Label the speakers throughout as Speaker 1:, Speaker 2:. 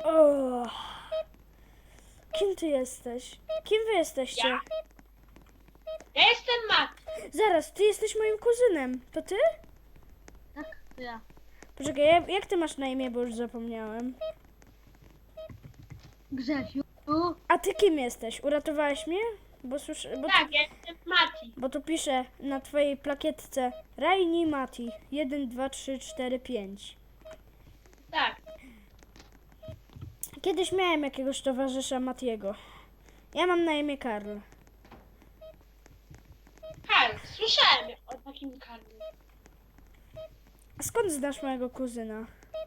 Speaker 1: O, kim ty jesteś? Kim wy jesteście?
Speaker 2: Ja. Ja jestem Mat.
Speaker 1: Zaraz, ty jesteś moim kuzynem. To ty?
Speaker 3: Tak, to ja.
Speaker 1: Poczekaj, jak ty masz na imię, bo już zapomniałem.
Speaker 3: Grzesiu.
Speaker 1: A ty kim jesteś? Uratowałeś mnie? Bo słyszę,
Speaker 2: Tak, ja jestem Mati.
Speaker 1: bo tu pisze na twojej plakietce Raini Mati 1, 2, 3, 4, 5.
Speaker 2: Tak.
Speaker 1: Kiedyś miałem jakiegoś towarzysza Matiego. Ja mam na imię Karl.
Speaker 2: Karl, słyszałem o takim Karlu.
Speaker 1: A skąd znasz mojego kuzyna?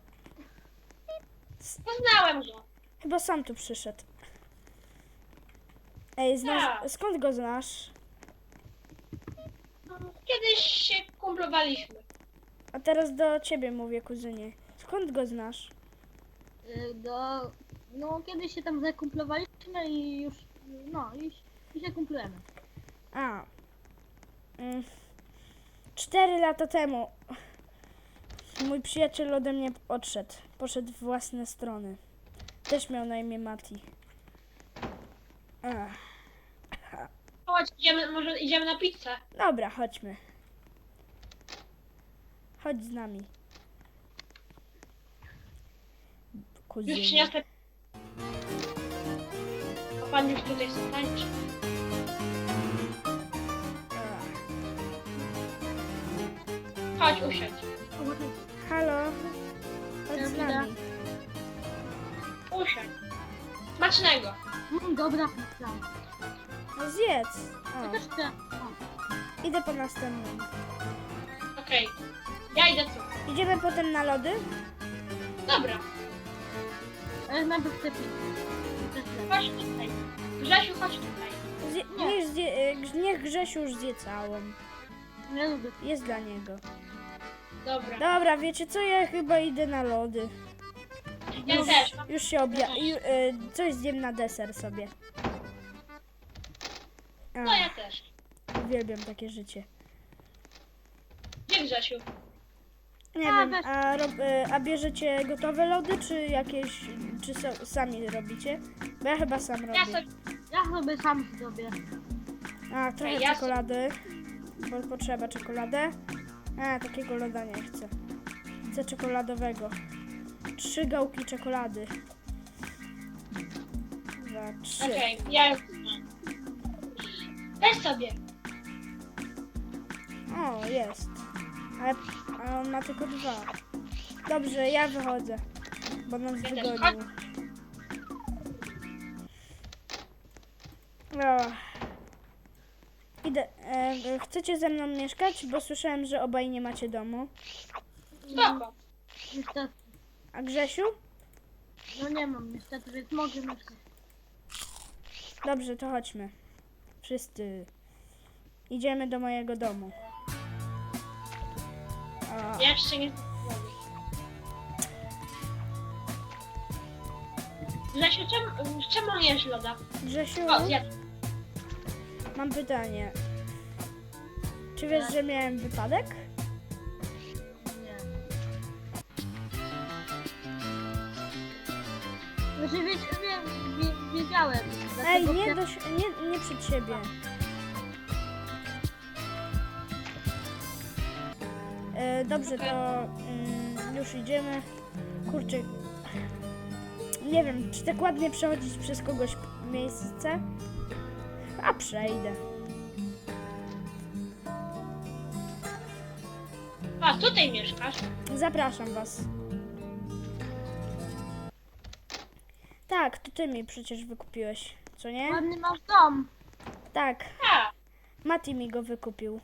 Speaker 2: Poznałem go.
Speaker 1: Chyba sam tu przyszedł. Ej,
Speaker 2: Tak.
Speaker 1: skąd go znasz?
Speaker 2: Kiedyś się kumplowaliśmy.
Speaker 1: A teraz do ciebie mówię, kuzynie. Skąd go znasz?
Speaker 3: No, kiedyś się tam zakumplowaliśmy i już, no, i się kumplujemy.
Speaker 1: A. 4 lata temu mój przyjaciel ode mnie odszedł. Poszedł w własne strony. Też miał na imię Mati. Ach.
Speaker 2: Chodź, może idziemy na pizzę.
Speaker 1: Dobra, chodźmy. Chodź z nami.
Speaker 2: Już
Speaker 1: Kuzynie.
Speaker 2: przyniosę. A pan już tutaj tańczy.
Speaker 1: Ach.
Speaker 2: Chodź, usiądź.
Speaker 1: Halo? Chodź z nami.
Speaker 2: Usiądź. Smacznego.
Speaker 3: Dobra, pizza.
Speaker 1: No zjedz.
Speaker 3: Ja
Speaker 1: O,
Speaker 3: też chcę. O,
Speaker 1: idę po następną.
Speaker 2: Okej. Ja idę tu.
Speaker 1: Idziemy potem na lody?
Speaker 2: Dobra.
Speaker 3: ale najpierw chcę pizzę. Też chcę.
Speaker 2: Chodź tutaj. Grzesiu, chodź tutaj.
Speaker 1: Niech Grzesiu już zje całą.
Speaker 3: Nie lubię.
Speaker 1: Jest dla niego.
Speaker 2: Dobra.
Speaker 1: Dobra, wiecie co? Ja chyba idę na lody.
Speaker 2: Ja też.
Speaker 1: Już się coś zjem na deser sobie.
Speaker 2: No ja też.
Speaker 1: Uwielbiam takie życie.
Speaker 2: Gdzie Grzesiu?
Speaker 1: Nie
Speaker 3: A,
Speaker 1: wiem,
Speaker 3: weź.
Speaker 1: a bierzecie gotowe lody, czy jakieś, czy sami robicie? Bo ja chyba sam robię.
Speaker 2: Ja sobie...
Speaker 3: Ja sobie sam zrobię.
Speaker 1: A, trochę
Speaker 2: Ja
Speaker 1: czekolady, bo potrzeba czekoladę. A, takiego loda nie chcę. Chcę czekoladowego. 3 gałki czekolady. 2, 3.
Speaker 2: Okej, ja już mam. Weź sobie.
Speaker 1: O, jest. Ale on ma tylko 2. Dobrze, ja wychodzę, bo nas
Speaker 2: Ja też.
Speaker 1: wygonił. O. Idę. Chcecie ze mną mieszkać? Bo słyszałem, że obaj nie macie domu.
Speaker 2: Spoko.
Speaker 3: Niestety.
Speaker 1: A Grzesiu?
Speaker 3: No nie mam niestety, więc mogę mieszkać.
Speaker 1: Dobrze, to chodźmy. Wszyscy. Idziemy do mojego domu. O.
Speaker 2: Ja jeszcze nie... Grzesiu, czemu jesz loda?
Speaker 1: Grzesiu,
Speaker 2: O, zjadł.
Speaker 1: mam pytanie. Czy wiesz, że miałem wypadek?
Speaker 3: Nie. Znaczy wiedziałem.
Speaker 1: Ej,
Speaker 3: dlatego
Speaker 1: nie przed siebie. Dobrze, to już idziemy. Kurczę. Nie wiem, czy tak ładnie przechodzić przez kogoś miejsce? A przejdę.
Speaker 2: A, tutaj mieszkasz?
Speaker 1: Zapraszam was. Tak, to ty mi przecież wykupiłeś, co nie?
Speaker 3: Ładny masz dom.
Speaker 1: Tak,
Speaker 2: Tak.
Speaker 1: Mati mi go wykupił.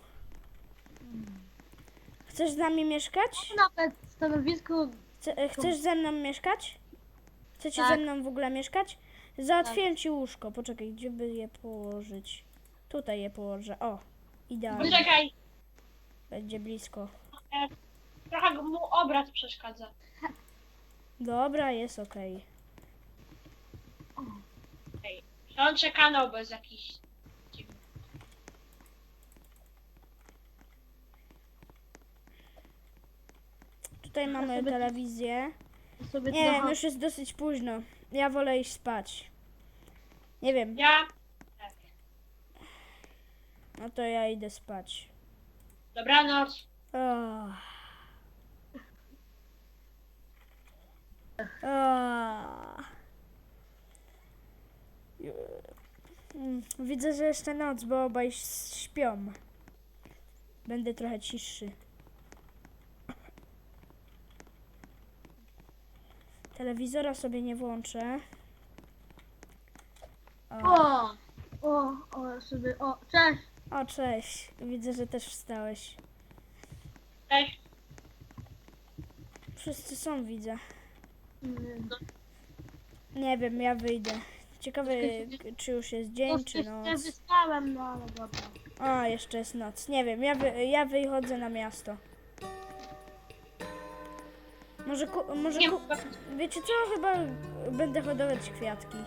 Speaker 1: Chcesz z nami mieszkać?
Speaker 3: Nawet stanowisko.
Speaker 1: Chcesz ze mną mieszkać? Chcecie
Speaker 3: Tak.
Speaker 1: ze mną w ogóle mieszkać? Załatwiłem ci łóżko. Poczekaj, gdzie by je położyć? Tutaj je położę. O, idealnie.
Speaker 2: Poczekaj.
Speaker 1: Będzie blisko.
Speaker 2: Trochę mu obraz przeszkadza.
Speaker 1: Dobra, jest okej.
Speaker 2: Okej. On czeka na obraz jakiś.
Speaker 1: Tutaj mamy
Speaker 3: sobie-
Speaker 1: telewizję.
Speaker 3: Sobie
Speaker 1: Nie,
Speaker 3: trochę...
Speaker 1: już jest dosyć późno. Ja wolę iść spać. Nie wiem,
Speaker 2: Ja...
Speaker 1: no to ja idę spać.
Speaker 2: Dobranoc.
Speaker 1: Oh. Oh. Widzę, że jeszcze noc, bo obaj śpią. Będę trochę cichszy. Telewizora sobie nie włączę.
Speaker 3: O, sobie, cześć.
Speaker 1: O, cześć. Widzę, że też wstałeś.
Speaker 2: Cześć.
Speaker 1: Wszyscy są, widzę.
Speaker 3: No,
Speaker 1: Nie wiem, ja wyjdę. Ciekawe, czy już jest dzień, czy
Speaker 3: nie
Speaker 1: noc.
Speaker 3: wyspałem, no ale dobra.
Speaker 1: O, jeszcze jest noc. Nie wiem, ja wychodzę na miasto. Może
Speaker 2: Nie,
Speaker 1: wiecie co? Chyba będę hodować kwiatki.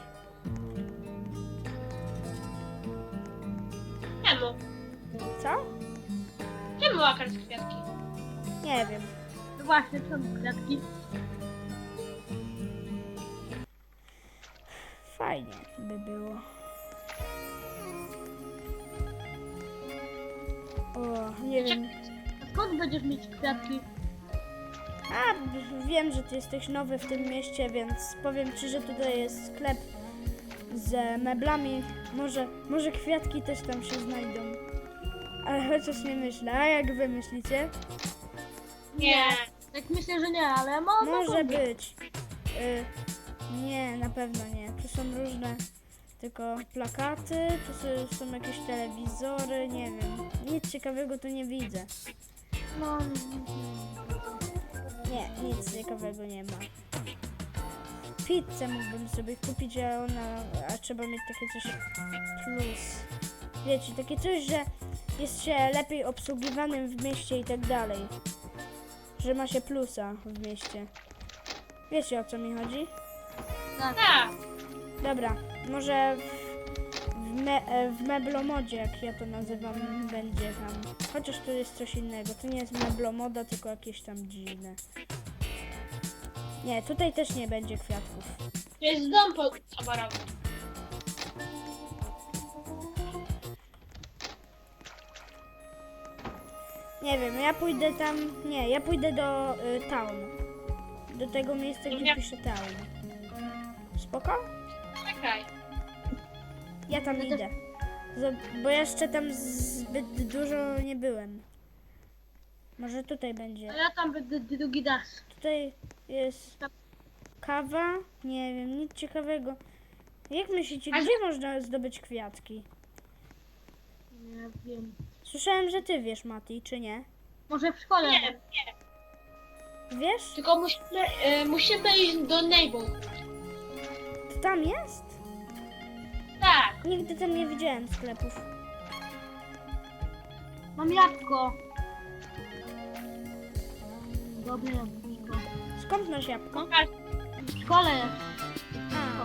Speaker 2: czemu?
Speaker 1: Co?
Speaker 2: Czemu łakasz kwiatki?
Speaker 1: Nie wiem.
Speaker 3: No właśnie, są kwiatki.
Speaker 1: Fajnie by było. O, nie wiem.
Speaker 3: A skąd będziesz mieć kwiatki?
Speaker 1: A, wiem, że ty jesteś nowy w tym mieście, więc powiem ci, że tutaj jest sklep z meblami. Może kwiatki też tam się znajdą. Ale chociaż nie myślę. A jak wy myślicie?
Speaker 2: Nie.
Speaker 3: Tak myślę, że nie, ale
Speaker 1: Może być. Nie, na pewno nie. Tu są różne tylko plakaty, tu są jakieś telewizory, nie wiem. Nic ciekawego tu nie widzę.
Speaker 3: No,
Speaker 1: Nie, nic ciekawego nie ma. Pizzę mógłbym sobie kupić, a trzeba mieć takie coś plus. Wiecie, takie coś, że jest się lepiej obsługiwanym w mieście i tak dalej. Że ma się plusa w mieście. Wiecie, o co mi chodzi?
Speaker 3: tak.
Speaker 2: Tak.
Speaker 1: Dobra, może w meblomodzie, jak ja to nazywam, będzie tam. Chociaż to jest coś innego. To nie jest meblomoda, tylko jakieś tam dziwne. Nie, tutaj też nie będzie kwiatków.
Speaker 2: To jest dom towarowy.
Speaker 1: Nie wiem, ja pójdę tam. Nie, ja pójdę do town. Do tego miejsca, gdzie pisze town. Spoko?
Speaker 2: Czekaj.
Speaker 1: Ja tam idę. Bo jeszcze tam zbyt dużo nie byłem. Może tutaj będzie.
Speaker 3: A ja tam będę drugi raz.
Speaker 1: Tutaj jest kawa. Nie wiem, nic ciekawego. Jak myślicie, gdzie można zdobyć kwiatki?
Speaker 3: Nie wiem.
Speaker 1: Słyszałem, że ty wiesz, Mati, czy nie?
Speaker 3: Może w szkole.
Speaker 2: Nie, nie.
Speaker 1: Wiesz?
Speaker 2: Tylko musimy iść do Neighbor.
Speaker 1: To tam jest?
Speaker 2: Tak.
Speaker 1: Nigdy tam nie widziałem sklepów.
Speaker 3: Mam jabłko. Dobre jabłko.
Speaker 1: Skąd masz jabłko?
Speaker 3: W szkole jest.
Speaker 1: A.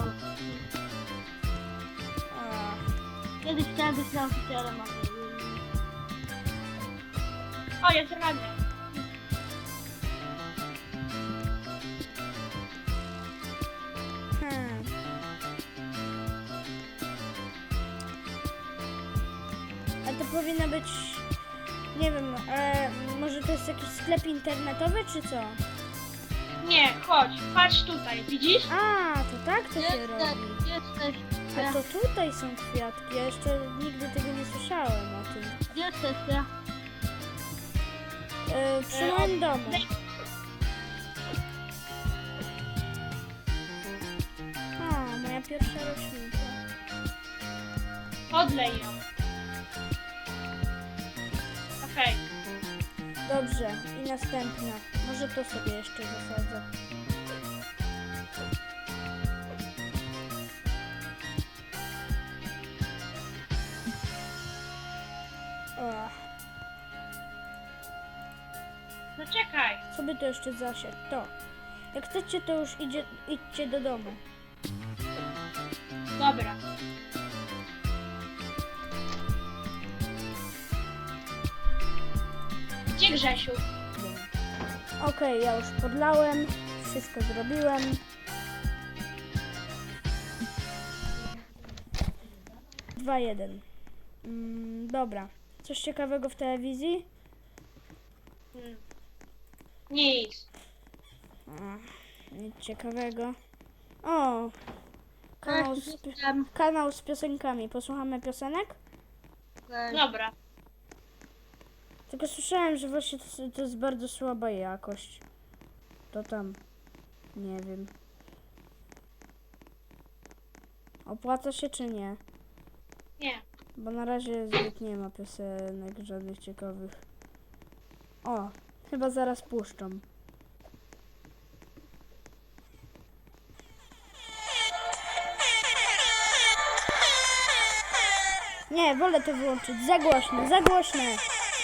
Speaker 1: A.
Speaker 3: Kiedyś chciałem być nauczycielem, ale...
Speaker 2: O, jest rano.
Speaker 1: A to powinno być, nie wiem, może to jest jakiś sklep internetowy, czy co?
Speaker 2: Nie, chodź, patrz tutaj, widzisz?
Speaker 1: A, to tak to się robi.
Speaker 3: Jesteś.
Speaker 1: A to tutaj są kwiatki, ja jeszcze nigdy tego nie słyszałem o tym.
Speaker 3: Gdzie jesteście?
Speaker 1: Przy moim domu. O, moja pierwsza roślinka.
Speaker 2: Odlej ją. Okej.
Speaker 1: Dobrze, i następna. Może to sobie jeszcze zasadzę. O,
Speaker 2: No czekaj.
Speaker 1: co by to jeszcze zasiać? To. Jak chcecie, to już idźcie do domu.
Speaker 2: Dobra. Gdzie Grzesiu?
Speaker 1: Okej, ja już podlałem wszystko zrobiłem. Dwa, jeden. Dobra. Coś ciekawego w telewizji?
Speaker 2: Nic.
Speaker 1: Nic ciekawego. O! Kanał z,
Speaker 3: Jestem.
Speaker 1: kanał z piosenkami. Posłuchamy piosenek?
Speaker 3: Okej.
Speaker 2: Dobra.
Speaker 1: Tylko słyszałem, że właśnie to jest bardzo słaba jakość. To tam. Nie wiem. Opłaca się czy nie?
Speaker 2: Nie.
Speaker 1: Bo na razie zbyt nie ma piosenek żadnych ciekawych. O! Chyba zaraz puszczą. Nie, wolę to wyłączyć. Za głośne, za głośne.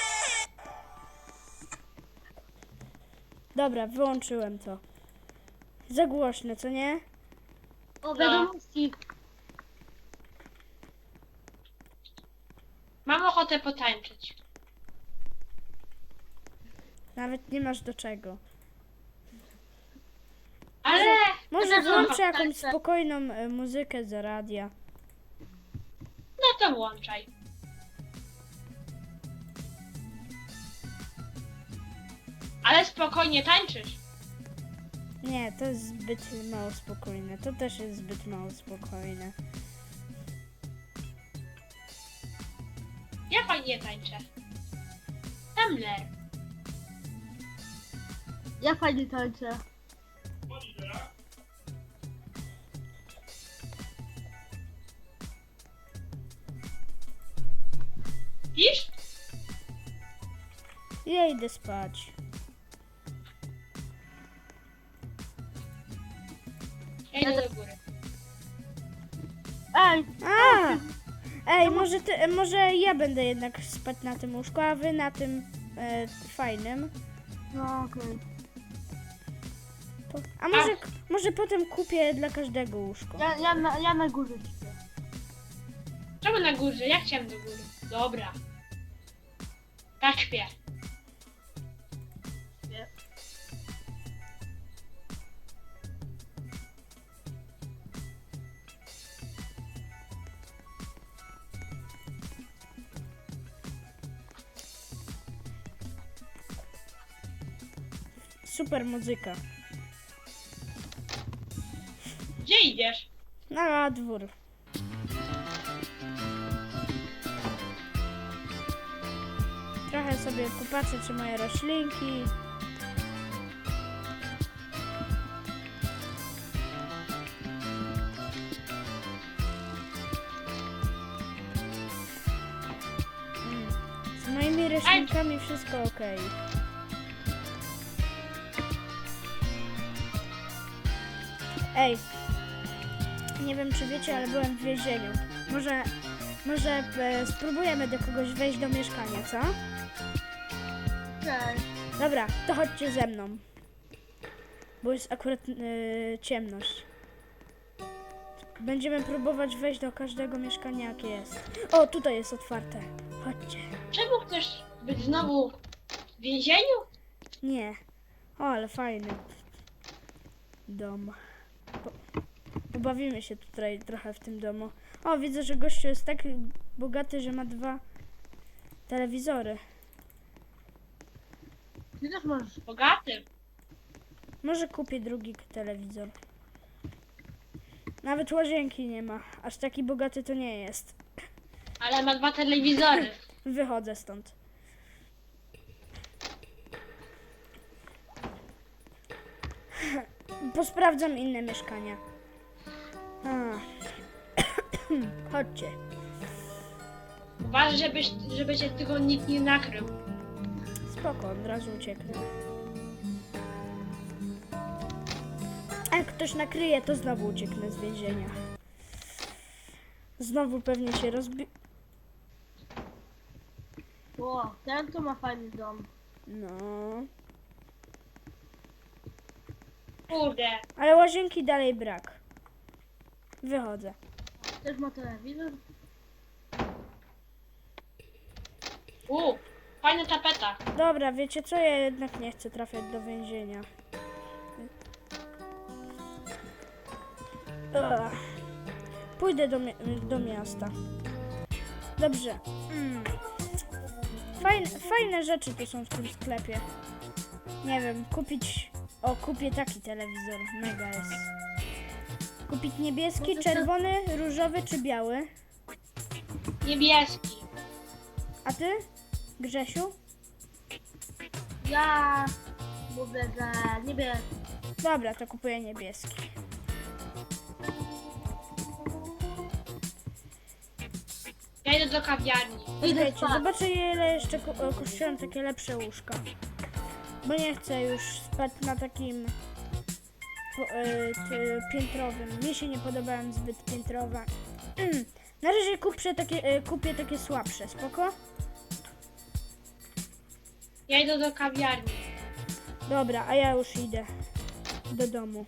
Speaker 1: Dobra, wyłączyłem to. Za głośne, co nie?
Speaker 3: O, wiadomości.
Speaker 2: Mam ochotę potańczyć.
Speaker 1: Nawet nie masz do czego.
Speaker 2: Ale...
Speaker 1: Może
Speaker 2: no,
Speaker 1: włączę jakąś
Speaker 3: tak.
Speaker 1: spokojną muzykę z radia.
Speaker 2: No to włączaj. Ale spokojnie tańczysz.
Speaker 1: Nie, to jest zbyt mało spokojne. To też jest zbyt mało spokojne.
Speaker 2: Ja fajnie tańczę. Tumblr.
Speaker 3: Ja fajnie tańczę.
Speaker 2: Widzisz?
Speaker 1: Ja idę spać.
Speaker 2: Ja idę do góry.
Speaker 3: Ej,
Speaker 1: A! Ej, może ja będę jednak spać na tym łóżku, a wy na tym fajnym.
Speaker 3: no okej.
Speaker 1: A może potem kupię dla każdego łóżko.
Speaker 3: Ja na górze śpię.
Speaker 2: Czemu na górze? Ja chciałem do góry. Dobra. Tak śpię.
Speaker 3: Śpię.
Speaker 1: Super muzyka.
Speaker 2: Gdzie idziesz?
Speaker 1: Na dwór. Trochę sobie popatrzę, czy moje roślinki. Z moimi roślinkami wszystko ok. Ej, nie wiem czy wiecie, ale byłem w więzieniu. Może spróbujemy do kogoś wejść do mieszkania, co?
Speaker 3: Okej.
Speaker 1: Dobra, to chodźcie ze mną. Bo jest akurat ciemność. Będziemy próbować wejść do każdego mieszkania, jakie jest. O, tutaj jest otwarte. Chodźcie.
Speaker 2: Czemu chcesz być znowu w więzieniu?
Speaker 1: Nie. O, ale fajny dom. Pobawimy się tutaj trochę w tym domu. O, widzę, że gościu jest tak bogaty, że ma 2 telewizory.
Speaker 3: Ty też możesz.
Speaker 2: Bogaty.
Speaker 1: Może kupię drugi telewizor. Nawet łazienki nie ma. Aż taki bogaty to nie jest.
Speaker 2: Ale ma 2 telewizory.
Speaker 1: Wychodzę stąd. Posprawdzam inne mieszkania. A. Chodźcie.
Speaker 2: Uważaj, żeby cię tylko nikt nie nakrył.
Speaker 1: Spoko, od razu ucieknę. A jak ktoś nakryje, to znowu ucieknę z więzienia. Znowu pewnie się
Speaker 3: O, ten to ma fajny dom.
Speaker 1: No.
Speaker 2: Kurde.
Speaker 1: Ale łazienki dalej brak. Wychodzę.
Speaker 3: Też ma telewizor.
Speaker 2: Fajna tapeta.
Speaker 1: Dobra, wiecie co? Ja jednak nie chcę trafiać do więzienia. Ugh. Pójdę do miasta. Dobrze. Fajne rzeczy tu są w tym sklepie. Nie wiem, kupić... O, kupię taki telewizor. Mega jest. Kupić niebieski, czerwony, różowy czy biały?
Speaker 2: Niebieski.
Speaker 1: A ty, Grzesiu?
Speaker 3: Ja mówię, że niebieski.
Speaker 1: Dobra, to kupuję niebieski.
Speaker 2: Ja idę do kawiarni.
Speaker 1: Wiecie,
Speaker 3: spać.
Speaker 1: zobaczę ile jeszcze kosztują takie lepsze łóżka. Bo nie chcę już spać na takim piętrowym. Mi się nie podobają zbyt piętrowe. Na razie kupię takie słabsze, spoko?
Speaker 2: Ja idę do kawiarni.
Speaker 1: Dobra, a ja już idę do domu.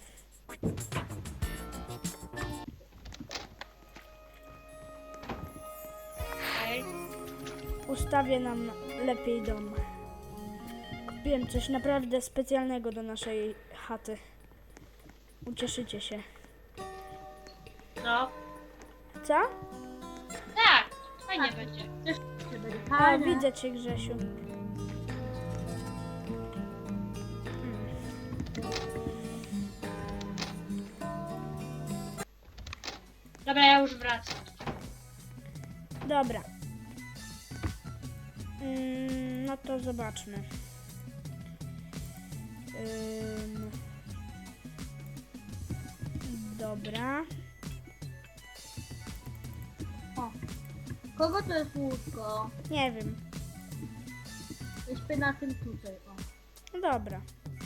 Speaker 2: Okej.
Speaker 1: Ustawię nam lepiej dom. Kupiłem coś naprawdę specjalnego do naszej chaty. Ucieszycie się.
Speaker 2: No.
Speaker 1: Co?
Speaker 2: Tak, fajnie będzie.
Speaker 3: Jeszcze będzie
Speaker 1: A,
Speaker 3: fajne.
Speaker 1: widzę cię, Grzesiu.
Speaker 2: Dobra, ja już wracam.
Speaker 1: Dobra. No to zobaczmy. Dobra.
Speaker 3: Kogo to jest łóżko?
Speaker 1: Nie wiem.
Speaker 3: Ja śpię na tym tutaj. O.
Speaker 1: No dobra.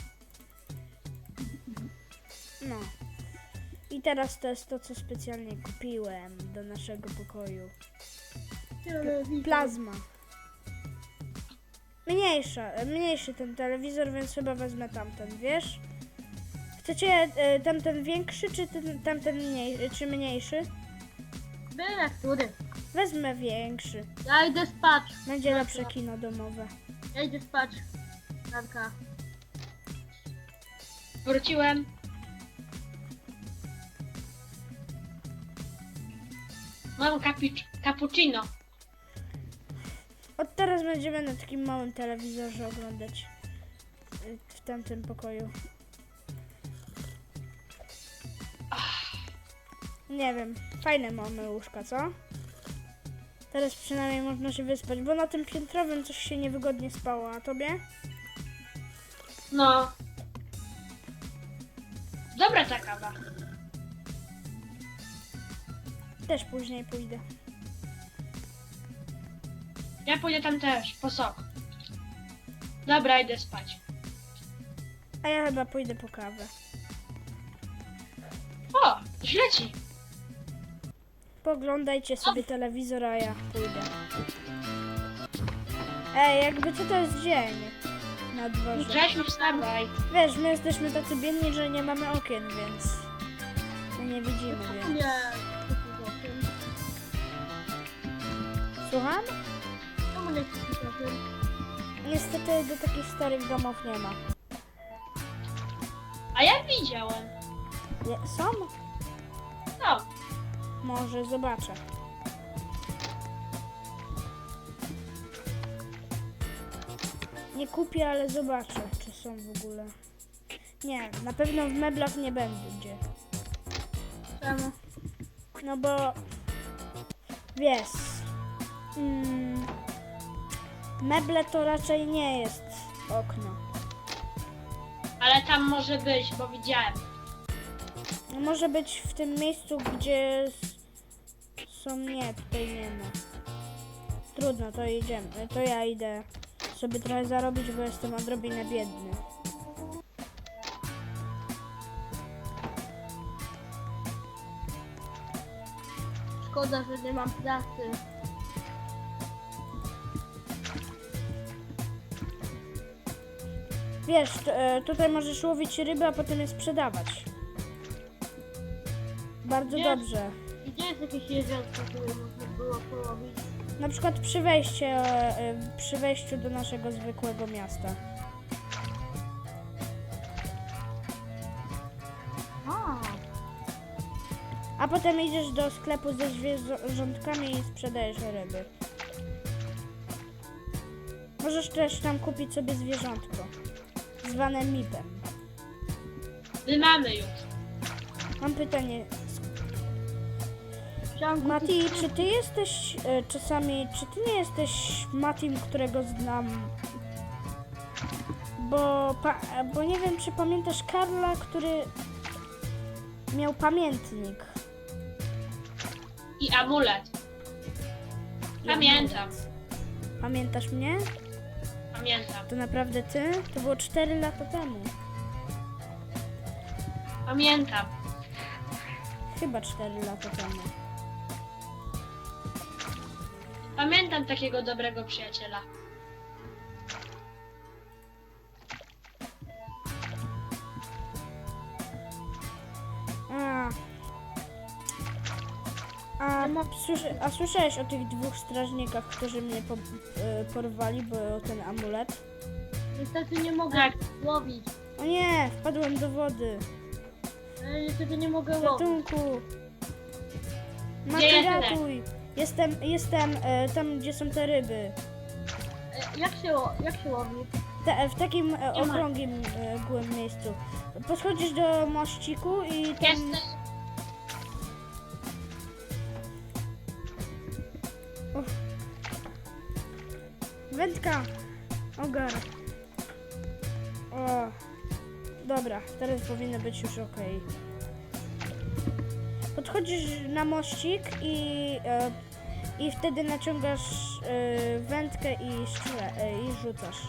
Speaker 1: No. I teraz to jest to, co specjalnie kupiłem do naszego pokoju.
Speaker 3: Telewizor.
Speaker 1: Plazma. Mniejszy ten telewizor, więc chyba wezmę tamten, wiesz? Chcecie tamten większy, czy tamten mniejszy?
Speaker 3: Byle który.
Speaker 1: Wezmę większy.
Speaker 3: Ja idę spać.
Speaker 1: Będzie lepsze kino domowe.
Speaker 3: Ja idę spać. Danka.
Speaker 2: Wróciłem. Mam cappuccino.
Speaker 1: Od teraz będziemy na takim małym telewizorze oglądać w tamtym pokoju. Nie wiem, fajne mamy łóżka, co? Teraz przynajmniej można się wyspać, bo na tym piętrowym coś się niewygodnie spało, a tobie?
Speaker 2: No. Dobra ta kawa.
Speaker 1: Też później pójdę.
Speaker 2: Ja pójdę tam też, po sok. Dobra, idę spać.
Speaker 1: A ja chyba pójdę po kawę.
Speaker 2: O, źle ci.
Speaker 1: Poglądajcie sobie telewizor, a ja pójdę. Ej, jakby co to jest dzień na dworze.
Speaker 2: Grzesiu, wstawaj.
Speaker 1: Wiesz, my jesteśmy tacy biedni, że nie mamy okien, więc my nie widzimy, więc...
Speaker 3: Nie.
Speaker 1: Słucham?
Speaker 3: Czemu nie kupisz o tym?
Speaker 1: Niestety do takich starych domów nie ma.
Speaker 2: A ja widziałem.
Speaker 1: Są?
Speaker 2: No.
Speaker 1: Może zobaczę. Nie kupię, ale zobaczę, czy są w ogóle. Nie, na pewno w meblach nie będzie.
Speaker 3: Czemu?
Speaker 1: No bo... Wiesz... meble to raczej nie jest okno.
Speaker 2: Ale tam może być, bo widziałem.
Speaker 1: No może być w tym miejscu, gdzie są... Nie, tutaj nie ma. Trudno, to idziemy. To ja idę sobie trochę zarobić, bo jestem odrobinę biedny.
Speaker 3: Szkoda, że nie mam pracy.
Speaker 1: Wiesz, tutaj możesz łowić ryby, a potem je sprzedawać. Bardzo
Speaker 3: Jest.
Speaker 1: dobrze.
Speaker 3: Gdzie jest jakieś jeziorko, które można było połowić?
Speaker 1: Na przykład przy wejściu do naszego zwykłego miasta.
Speaker 3: A,
Speaker 1: A potem idziesz do sklepu ze zwierzątkami i sprzedajesz ryby. Możesz też tam kupić sobie zwierzątko, zwane mipem.
Speaker 2: My mamy już.
Speaker 1: Mam pytanie,
Speaker 3: Chciałam kupić...
Speaker 1: Mati, czy ty jesteś czasami, czy ty nie jesteś Matim, którego znam? Bo nie wiem, czy pamiętasz Karla, który miał pamiętnik.
Speaker 2: I amulet.
Speaker 1: I
Speaker 2: Pamiętam.
Speaker 1: amulet. Pamiętasz mnie?
Speaker 2: Pamiętam.
Speaker 1: To naprawdę ty? To było 4 lata temu.
Speaker 2: Pamiętam.
Speaker 1: Chyba 4 lata temu.
Speaker 2: Pamiętam takiego dobrego przyjaciela.
Speaker 1: A słyszałeś o tych 2 strażnikach, którzy mnie porwali, bo o ten amulet?
Speaker 3: Niestety nie mogę
Speaker 2: Tak.
Speaker 3: łowić.
Speaker 1: O nie, wpadłem do wody.
Speaker 3: Niestety nie mogę łowić.
Speaker 1: Ratunku!
Speaker 2: Gdzie
Speaker 1: Mati,
Speaker 2: jesteś?
Speaker 1: ratuj! Jestem tam, gdzie są te ryby.
Speaker 3: Jak się łowi?
Speaker 1: W takim okrągłym miejscu. Podchodzisz do mościku i tam...
Speaker 2: Jestem.
Speaker 1: Wędka! Ogar! O! Dobra, teraz powinno być już ok. Podchodzisz na mościk i wtedy naciągasz wędkę i rzucasz.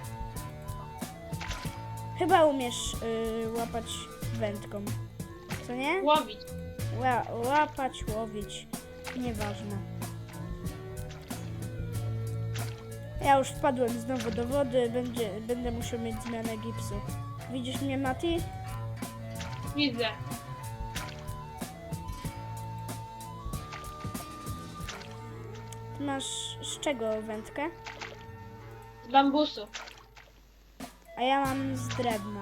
Speaker 1: Chyba umiesz łapać wędką, co nie?
Speaker 2: Łowić.
Speaker 1: Łapać, łowić, nieważne. Ja już wpadłem znowu do wody, będę musiał mieć zmianę gipsu. Widzisz mnie, Mati?
Speaker 2: Widzę.
Speaker 1: Ty masz z czego wędkę?
Speaker 2: Z bambusu.
Speaker 1: A ja mam z drewna.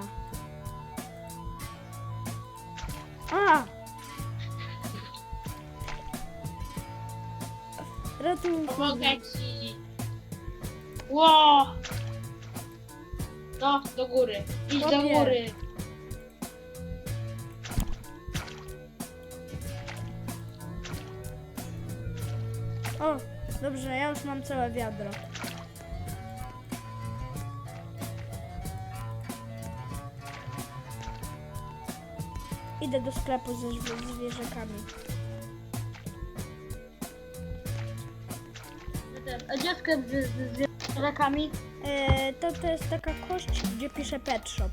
Speaker 1: A! Ratunku!
Speaker 2: Pomogę ci. Ło! No, do góry. Idź do
Speaker 1: Kopię.
Speaker 2: góry.
Speaker 1: O, dobrze, ja już mam całe wiadro. Idę do sklepu ze zwierzakami.
Speaker 3: A gdzie sklep z zwierzakami?
Speaker 1: To jest taka kość, gdzie pisze Pet Shop.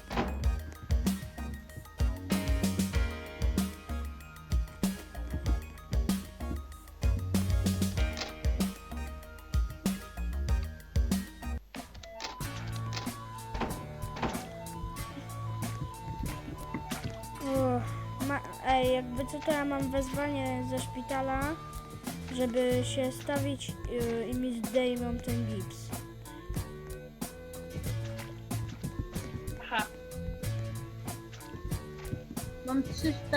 Speaker 1: Jakby co, to ja mam wezwanie ze szpitala, żeby się stawić i mi zdejmą ten gips.
Speaker 2: Aha.
Speaker 3: Mam 300...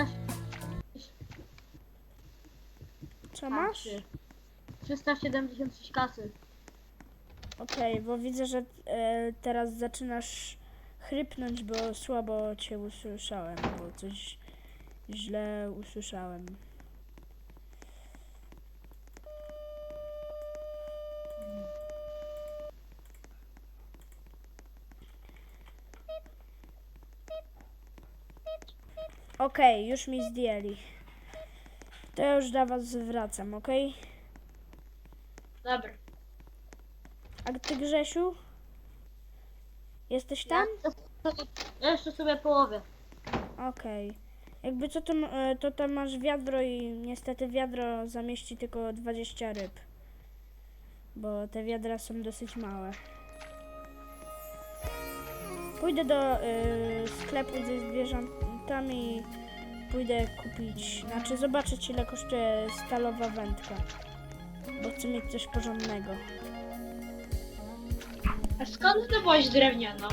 Speaker 1: Co masz?
Speaker 3: 376 kasy.
Speaker 1: Okej, bo widzę, że teraz zaczynasz chrypnąć, bo słabo cię usłyszałem, bo coś źle usłyszałem. Okej, już mi zdjęli. To ja już do was wracam, okej?
Speaker 2: Dobra.
Speaker 1: A ty, Grzesiu? Jesteś tam?
Speaker 3: Ja jeszcze sobie połowię.
Speaker 1: Okej. Jakby co, to tam masz wiadro i niestety wiadro zamieści tylko 20 ryb. Bo te wiadra są dosyć małe. Pójdę do sklepu ze zwierzętami. Pójdę kupić, znaczy zobaczyć, ile kosztuje stalowa wędka. Bo chcę mieć coś porządnego.
Speaker 2: A skąd zdobyłaś drewnianą?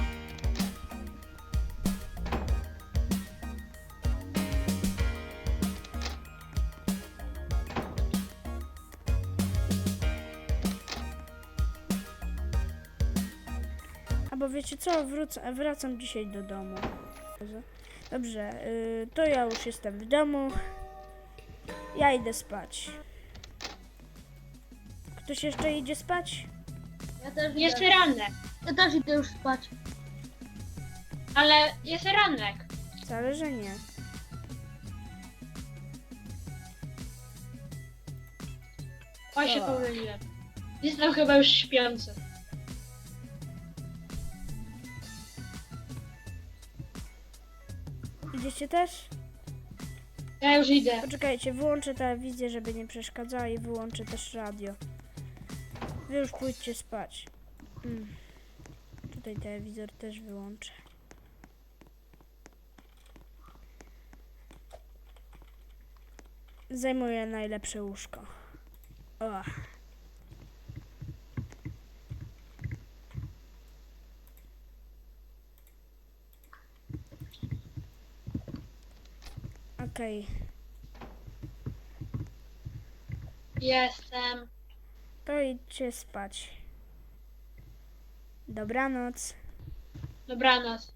Speaker 1: bo wiecie co, wracam dzisiaj do domu. Dobrze, to ja już jestem w domu. Ja idę spać. Ktoś jeszcze idzie spać?
Speaker 3: Ja też
Speaker 2: Jest
Speaker 3: idę.
Speaker 2: ranek,
Speaker 3: Ja też idę już spać.
Speaker 2: ale jest ranek.
Speaker 1: Wcale, że nie.
Speaker 2: Oj, się
Speaker 1: O.
Speaker 2: pomyliłem. Jestem chyba już śpiący.
Speaker 1: Idziecie też?
Speaker 2: Ja już idę.
Speaker 1: Poczekajcie, wyłączę telewizję, żeby nie przeszkadzała i wyłączę też radio. Wy już pójdźcie spać. Tutaj telewizor też wyłączę. Zajmuję najlepsze łóżko. O. Okej.
Speaker 2: Jestem.
Speaker 1: To idźcie spać. Dobranoc.
Speaker 2: Dobranoc.